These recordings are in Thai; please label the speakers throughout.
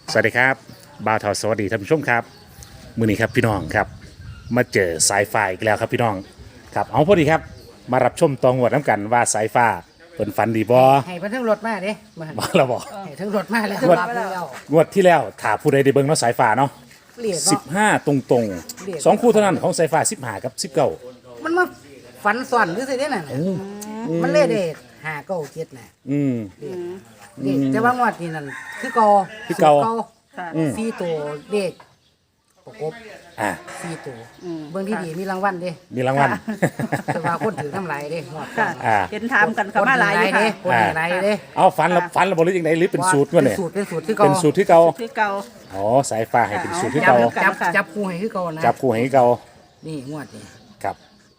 Speaker 1: สวัสดีครับบ่าวเทาสวัสดีท่านผู้ชมครับมื้อนี้ครับพี่น้องครับมาเจอสายฟ้าอีกแล้วครับพี่น้องครับเอาพอดีครับมารับชมตองวดน้ำกันว่าสายฟ้าเป็นฝันดีบ่
Speaker 2: ให้เพิ่นทั้งรถมาเด้มา
Speaker 1: บ่เราบอก
Speaker 2: ให้ทั้งรถมาแล้ว
Speaker 1: งวด
Speaker 2: รับแล้ว
Speaker 1: งวดที่แล้วถ้าผู้ใดได้เบิ่งเนาะสายฟ้าเนาะ
Speaker 2: เรียกเนาะ
Speaker 1: 15ตรงๆสองคู่เท่านั้นของสายฟ้า15กับ19
Speaker 2: มันมาฝันซ่อนหรือสิเด้นั่นน่ะมันเลยได้5 9 7น่ะ
Speaker 1: อืม
Speaker 2: เด็กแต่ว่างวดนี้นั่นคือเก่า
Speaker 1: คือเก่า
Speaker 2: สูตร
Speaker 3: ค่ะ
Speaker 2: 4ตัวเด็กประกบ
Speaker 1: อ่า
Speaker 2: 4ตัวเบิ่งที่ดีมีรางวัลเด้
Speaker 1: มีรางวัล
Speaker 2: แต่ว่าคนถือน้ำลายเด้งวด
Speaker 3: ค่ะ
Speaker 1: อ่า
Speaker 3: เห็นถามกันเขามาหลายอยู่ค่ะ
Speaker 2: คนถือหลายเด้
Speaker 1: เอาฝันแล้วบ่หรือจังไดหรือเป็นสูตรวะเนี่ย
Speaker 2: เป็นสูตรคือเก่า
Speaker 1: เป็นสูตรที่เก่า
Speaker 3: ที่เก่า
Speaker 1: อ๋อสายฟ้าให้เป็นสูตรที่
Speaker 2: จับ
Speaker 1: เก่า
Speaker 2: จับ
Speaker 3: ค่ะ
Speaker 2: จับคู่ให้คือเก่านะ
Speaker 1: จับคู่ให้เก่า
Speaker 2: นี่งวดนี้
Speaker 1: ครับ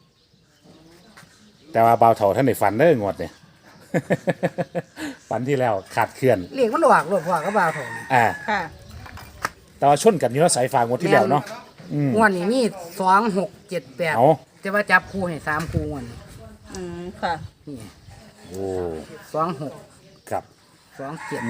Speaker 1: แต่ว่าเบาเถาท่านในฝันเด้องวดเนี่ย ฝันที่แล้วขาดเคลื่อน
Speaker 2: เรียกมันหวกรถพ่อก็บ่าวเถานี่
Speaker 1: อ่า
Speaker 3: ค่ะ
Speaker 1: แต่ว่าชนกันอยู่เนาะสายฟ้างวดที่แล้วเนาะ
Speaker 2: งวดนี้มี2 6 7 8
Speaker 1: เอา
Speaker 2: แต่ว่าจับคู่ให้3คู่งวดนี้
Speaker 3: ค่ะ
Speaker 2: นี่
Speaker 1: โอ้
Speaker 2: 26
Speaker 1: ครับ
Speaker 2: 27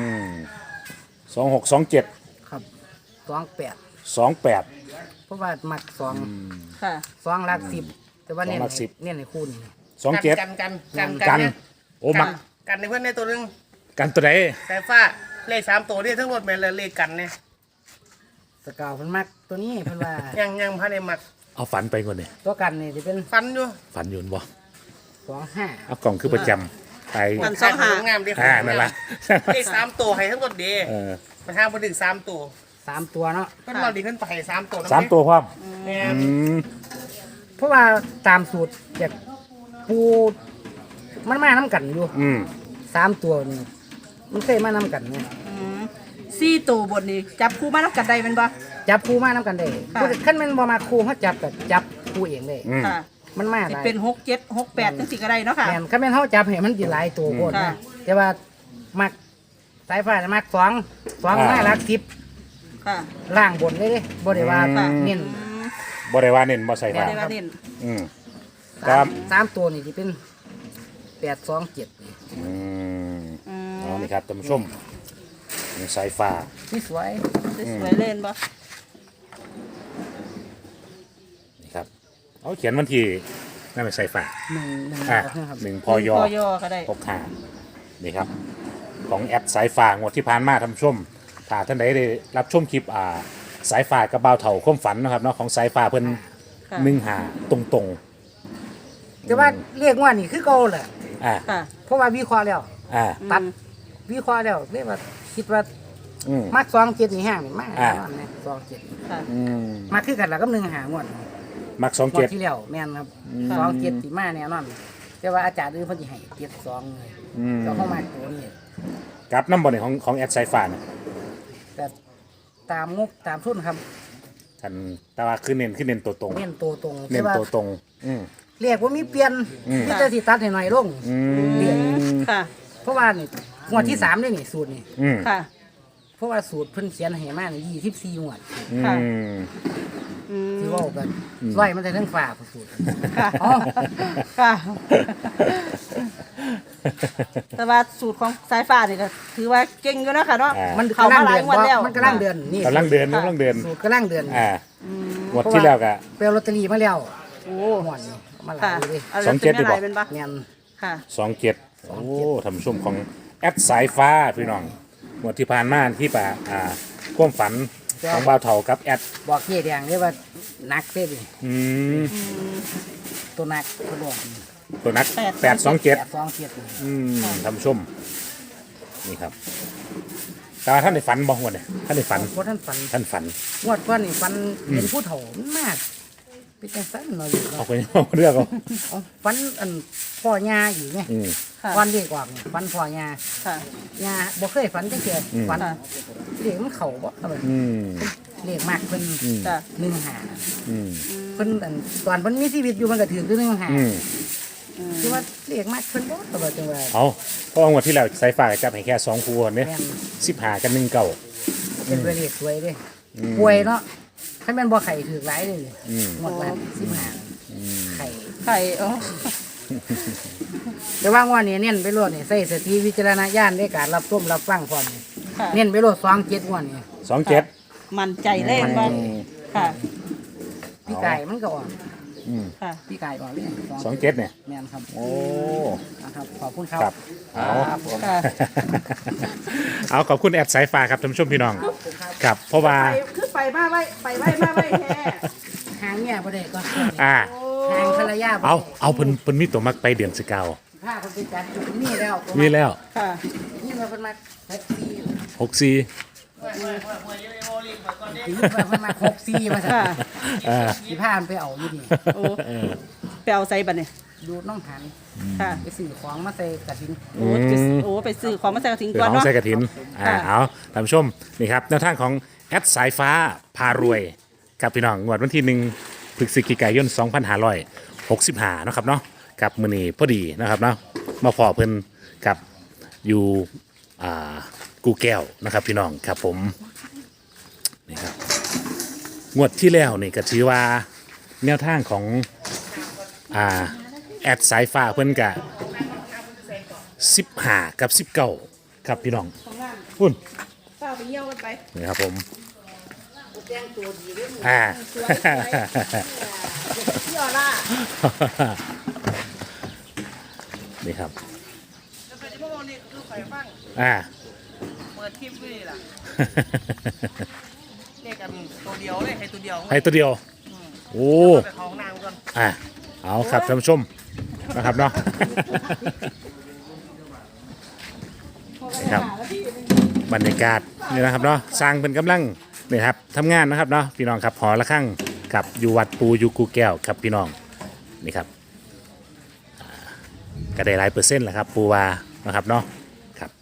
Speaker 1: 2627
Speaker 2: ครับ28
Speaker 1: 28
Speaker 2: เพราะว่ามัก2
Speaker 3: ค่ะ
Speaker 2: 2หลัก10แต่ว่าเน้น
Speaker 1: สองหลัก
Speaker 2: ให้
Speaker 1: สิบ
Speaker 2: เน้นให้คู่นี่
Speaker 1: 27 กันโอ้มัก
Speaker 4: กันในเพื่อนในตัวหนึง
Speaker 1: กันตัวไหน
Speaker 4: สายฟ้าเลข3ตัวนี่ทั้งหมดแม่นเลยเลขกันเนี่ย
Speaker 2: สกาวเพิ่นมักตัวนี้เพิ่นว่า
Speaker 4: ยังพันในมัก
Speaker 1: เอาฝันไปก่อนเนี่ย
Speaker 2: ตัวกันนี่สิเป็น
Speaker 4: ฟันอยู่
Speaker 1: ฝันอยืนบ่
Speaker 2: 25
Speaker 1: เอากล่องคือประจำไป
Speaker 4: มันสองหางามดี
Speaker 1: นั่นล่ะ
Speaker 4: เลข3ตัวให้ทั้งหมดเดี
Speaker 1: เออ
Speaker 4: ประธานมาถึง3ตัว
Speaker 2: 3ตัวเนาะ
Speaker 4: เพิ่นเราดีขึ้นไป3ตัว
Speaker 1: 3ตัวพร้อม
Speaker 4: เนี่ย
Speaker 1: อืม
Speaker 2: เพราะว่าตามสูตรจากปูมันมานํกันอยู่
Speaker 1: อืม
Speaker 2: 3ตัวนี่มันเคยมานํกันเนี่ย
Speaker 3: ซี่ตัวบนนี้จับคู่มาแล้วกันได้เป็นบ่
Speaker 2: จับคู่มานํกันได้
Speaker 3: ค่ะ
Speaker 2: คันแม่นบ่มาคู่เฮาจับก็จับคู่เองได้
Speaker 1: อืม
Speaker 3: ค่ะ
Speaker 2: มันมา
Speaker 3: สิ
Speaker 2: หลาย
Speaker 3: เป็น6 7 6 8จังสิก็ได้เนาะค่ะ
Speaker 2: แม่นคันแม่นเฮาจับให้มันสิหลายตัวโพด
Speaker 3: ค่ะ
Speaker 2: นะแต่ว่ามักสายฟ้าน่ะมัก2มาหลัก10
Speaker 3: ค่ะ
Speaker 2: ล่างบนเลยเด้บ่ได้ว่า
Speaker 3: ค่ะ
Speaker 2: เน้น
Speaker 1: บ่ได้ว่าเน้นบ่ใส่
Speaker 3: บ่
Speaker 1: ฟ้า
Speaker 3: ได้ว่าเน้น
Speaker 1: อืม
Speaker 2: สามสามตัวนี่สิเป็น827นี่
Speaker 1: อืมเอานี่ครับท่านผู้ชมนี่สายฟ้า
Speaker 2: นี่สวย
Speaker 3: สวยๆเล่นบ่
Speaker 1: นี่ครับเอาเขียนวันที่นั่นเป็นสายฟ้า
Speaker 2: 1
Speaker 1: อ่ะ
Speaker 2: นะครับ
Speaker 1: หนึ่งพอยอ
Speaker 3: พอยอก็ได้
Speaker 1: ตกหานี่ครับ ของแอดสายฟ้างวดที่ผ่านมาท่านผู้ชมถ้าท่านใดได้รับชมคลิปสายฟ้ากับบ่าวเถ่าความฝันนะครับเนาะของสายฟ้าเพิ่น
Speaker 3: ค่ะ
Speaker 1: 1 หาตรง
Speaker 2: แต่ว่าเรียกว่านี่คือเก่าแหละ
Speaker 1: ๆอ่า
Speaker 3: ค่ะ
Speaker 2: เพราะว่าวิเคราะห์แล้ว
Speaker 1: อ่า
Speaker 2: ตัดวิเคราะห์แล้วเรียกว่าคิดว่า
Speaker 1: อืม
Speaker 2: มัก27นี่ห้างนี่มาก
Speaker 1: อ่า
Speaker 2: แน่นอนนะ27
Speaker 3: ค่ะ
Speaker 1: อืม
Speaker 2: มาคือกันแล้วกับ1หางวด
Speaker 1: มัก
Speaker 2: งวด
Speaker 1: 27
Speaker 2: ที่แล้วแม่นครับ27สิมาแน่นอนแต่ว่าอาจารย์อื่นเพิ่นสิให้72เลย
Speaker 1: อืม
Speaker 2: ก็เข้ามาตัวนี้
Speaker 1: กับน้ำบอลของแอดสายฟ้าเนี่ย
Speaker 2: แต่ตามงบตามทุนครับ
Speaker 1: กันแต่ว่าคือเน้นตัวตรง
Speaker 2: เน้นตัวตรง
Speaker 1: เน้
Speaker 2: แต่
Speaker 1: น
Speaker 2: ว่า
Speaker 1: ตัวตรงอืม
Speaker 2: เรียกว่ามีเปลี่ยนมีแต่สิตัดให้หน่อยลง
Speaker 1: อื
Speaker 2: เรียก
Speaker 1: ม
Speaker 3: ค่ะ
Speaker 2: เพราะว่านี่งวดที่3ได้นี่สูตรนี่
Speaker 1: อืม
Speaker 3: ค่ะ
Speaker 2: เพราะว่าสูตรเพิ่นเขียนให้มานี่24งวด
Speaker 3: ค่ะ
Speaker 1: อืม
Speaker 2: ที่เว้ากันร้อยมันได้ทั้งฝาผู้สูตร
Speaker 3: ค่ะ
Speaker 2: อ๋อ
Speaker 3: ค่ะ แต่ว่าสูตรของสายฟ้านี่ก็ถือว่าเก่งอยู่เนาะค่ะเนาะ
Speaker 2: มัน
Speaker 3: เข้ามาหลายงวดแล้ว
Speaker 2: มันกำลังเดือนนี่
Speaker 1: กำลังเดินกำลังเดิน
Speaker 2: สูตรกำลังเดือน
Speaker 1: งวดที่แล้วก็
Speaker 2: ไปเอาลอตเตอรี่มาแล้ว
Speaker 3: โอ้
Speaker 2: หมอนนี่เอามาหลา
Speaker 3: ค่ะ
Speaker 2: ยเลย
Speaker 3: เอา
Speaker 1: สองเจ็ด
Speaker 3: เป็น
Speaker 1: ดีกว่า
Speaker 3: อะไรเป็นปะ
Speaker 2: แม่น
Speaker 3: ค่ะ
Speaker 1: 27โอ้ทำชุ่มของแอดสายฟ้าพี่น้องงวดที่ผ่านมาที่ป่าความฝันของบ่าวเถากับแอด
Speaker 2: บอกเจ๊แดงเลยว่าหนักเด้ดิ
Speaker 1: อืม
Speaker 2: ตัวหนักตัวบอก
Speaker 1: ตัวนัก
Speaker 3: 827
Speaker 1: 827อืมทำชุ่มนี่ครับแต่ว่าท่านได้ฝันบ่งวดเนี่ยท่านได้ฝัน
Speaker 2: เพราะท่านฝัน
Speaker 1: ท่านฝัน
Speaker 2: งวดก่อนนี่ฝันเห็นผู้เฒ่ามันมากเป็นจังซั่นเนาะอยู่
Speaker 1: เอา
Speaker 2: เนาะ
Speaker 1: ไปเอาเรื่องเอา
Speaker 2: เอาฝันอันพ่อย่าอยู่ไง
Speaker 1: อืม
Speaker 3: ค่ะ
Speaker 2: วันเด็กกว่านี่ฝันพ่อย่า
Speaker 3: ค่ะ
Speaker 2: ย่าบ่เคยฝันจังเทื่ออ
Speaker 1: ม
Speaker 2: ฝัน
Speaker 3: ค่ะ
Speaker 2: เรียกมันเข้าบ่อะไร
Speaker 1: อืม
Speaker 2: เรียกมากเพิ่น
Speaker 3: จ้ะ
Speaker 2: 15
Speaker 1: อืม
Speaker 2: เพิ่นอันตอนเพิ่นมีชีวิตอยู่มันก็ถือคือ15
Speaker 1: อืม
Speaker 2: คือว่าเรียกมากเพิ่นบ่ตลอดจังว่า
Speaker 1: เอาเพราะว่างวดที่แล้วสายฟ้าจับให้แค่2คู่เนี่ย
Speaker 2: แม่น
Speaker 1: 15กับ19
Speaker 2: เป็นเรียกสวยเด้ป่วยเนาะถ้าแม่นบ่ไข่ถือหลายเลย
Speaker 1: อืม
Speaker 2: หมดวัน15ไข่
Speaker 3: ไข่อ๋อ
Speaker 2: แต่ว่างวดนี้เน้นไปโลดนี่ใส่สติวิจารณญาณในการรับชมรับฟังพร้อมนี่
Speaker 3: ค่ะ
Speaker 2: เน้นไปโลด27งวดนี่
Speaker 1: 27
Speaker 3: มันใจเล่นว่าค่ะ
Speaker 2: พี่ไก่มันก็ออก
Speaker 3: ค่ะ
Speaker 2: พี่ไก่ออกเลย
Speaker 1: 27เนี่ย
Speaker 2: แม่นครับ
Speaker 1: โอ้
Speaker 2: นะครับขอบคุณครับ
Speaker 1: ครับเอา
Speaker 2: ครับผม
Speaker 3: ค่ะ
Speaker 1: เอาขอบคุณแอดสายฟ้าครับท่านผู้ชมพี่น้องครับเพราะว่า
Speaker 3: ไปคือไปมาไว้มาไว้แท้
Speaker 2: หางเนี่ยบ่ได้ก็
Speaker 1: อ่า
Speaker 2: หางภรรยาบ่ได้
Speaker 1: เอาเพิ่นมีตัวมักไปเดือนสิเกา
Speaker 2: ผ้าคนไปจัดจุดนี้แล้ว
Speaker 1: มีแล้ว
Speaker 3: ค่ะ
Speaker 2: นี่มาเป็นมาแท็กซี่
Speaker 1: 64
Speaker 2: นี่มาเป็นมา64มาสั่
Speaker 3: ค่ะ
Speaker 1: อ่า
Speaker 2: สิพามันไปเอาอยู่นี่
Speaker 3: โอ้ไปเอาใส่บัตรเนี่ย
Speaker 2: ดูน้องหัน
Speaker 3: ค่ะ
Speaker 2: ไปซื้อของมาใส่กระถิ่น
Speaker 3: ไปซื้อของมาใส่กระถิ่น
Speaker 1: เดี๋
Speaker 3: ก่
Speaker 1: ย
Speaker 3: อ
Speaker 1: วน น้อง
Speaker 3: เนาะ
Speaker 1: ใส่กระถิน
Speaker 3: ค่ะ
Speaker 1: เอาท่านผู้ชมนี่ครับแนวทางของแอดสายฟ้าพารวยกับพี่น้องงวดวันที่1พฤศจิกายน2565นาะครับเนาะกับมื้อนี้พอดีนะครับเนาะมาพอเพิ่นกับอยู่กูแก้วนะครับพี่น้องครับผมนี่ครับงวดที่แล้วนี่ก็ถือว่าแนวทางของแอดสายฟ้าเพิ่นกะ15กับ19ครับพี่น้องพุ่น
Speaker 3: เป้าไปเยี่ยวกันไป
Speaker 1: นี่ครับผม
Speaker 2: แจ้งตัวดีด้วย
Speaker 3: พี่ออร่า
Speaker 1: นี่ครับ
Speaker 4: แล้วไปที่พวกนี้คือไฟฟัง
Speaker 1: อ่า
Speaker 4: เปิดคลิปไว้นี่ล่ะเลขกันตัวเดียวเลยให้ตัวเดียว
Speaker 1: ให้ตัวเดียวโอ้
Speaker 4: ไปของนางก่อน
Speaker 1: เอาครับท่านผู้ชมนะครับเนาะครับบรรยากาศนี่นะครับเนาะสร้างเป็นกำลังนี่ครับทำงานนะครับเนาะพี่น้องครับหอละข้างกับอยู่วัดปูอยู่กูแก้วครับพี่น้องนี่ครับก็ได้หลายเปอร์เซ็นต์แหละครับปูวานะครับเนาะครับ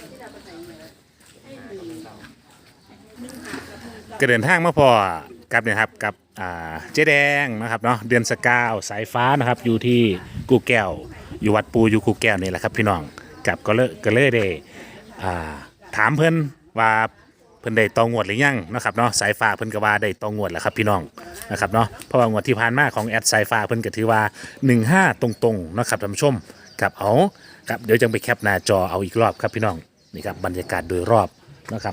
Speaker 1: ก็เดินทางมาพอกับเนี่ยครับกับเจ๊แดงนะครับเนาะเดือนสกาวสายฟ้านะครับอยู่ที่กูแก้วอยู่วัดปูอยู่กูแก้วนี่แหละครับพี่น้องกับก็เลยได้ถามเพิ่นว่าเพิ่นได้ตองวดหรือยังนะครับเนาะสายฟ้าเพิ่นก็ว่าได้ตองวดแล้วครับพี่น้องนะครับเนาะเพราะว่างวดที่ผ่านมาของแอดสายฟ้าเพิ่นก็ถือว่า15ตรงๆนะครับท่านผู้ชมกับเอาครับเดี๋ยวจังไปแคปหน้าจอเอาอีกรอบครับพี่น้องนี่ครับบรรยากาศโดยรอบนะครับ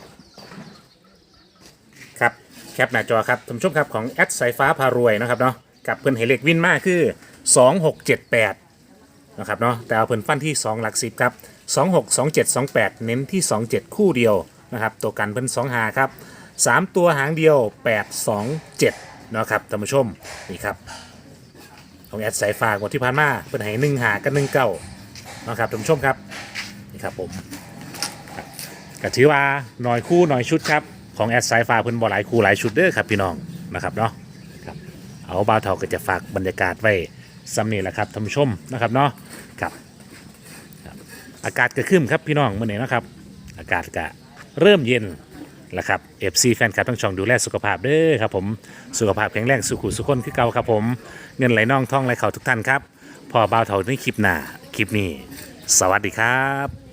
Speaker 1: ครับแคปหน้าจอครับท่านผู้ชมครับของแอดสายฟ้าพารวยนะครับเนาะกับเพิ่นให้เลขวินมากคือ2678นะครับเนาะแต่เอาเพิ่นฟันที่2หลัก10ครับ262728เน้นที่27คู่เดียวนะครับตัวกันเพิ่น2หาครับ3ตัวหางเดียว827นะครับท่านผู้ชมนี่ครับของแอดสายฟ้างวดที่ผ่านมาเพิ่นให้1หากับ19นะครับท่านผู้ชมครับนี่ครับผมก็ถือว่าหน่อยคู่หน่อยชุดครับของแอดสายฟ้าเพิ่นบ่หลายคู่หลายชุดเด้อครับพี่น้องนะครับเนาะครับเอาบ่าวเฒ่าก็จะฝากบรรยากาศไว้ซ้ำนี่แหละครับท่านผู้ชมนะครับเนาะครับอากาศก็ครึ้มครับพี่น้องมื้อนี้นะครับอากาศก็เริ่มเย็นแล้วครับ FC แฟนคลับทั้งช่องดูแลสุขภาพเด้อครับผมสุขภาพแข็งแรงสุขุสุขคนคือเก่าครับผมเงินไหลน่องท่องไหลเข่าทุกท่านครับพอบ่าวเฒ่าในคลิปหน้าคลิปนี้สวัสดีครับ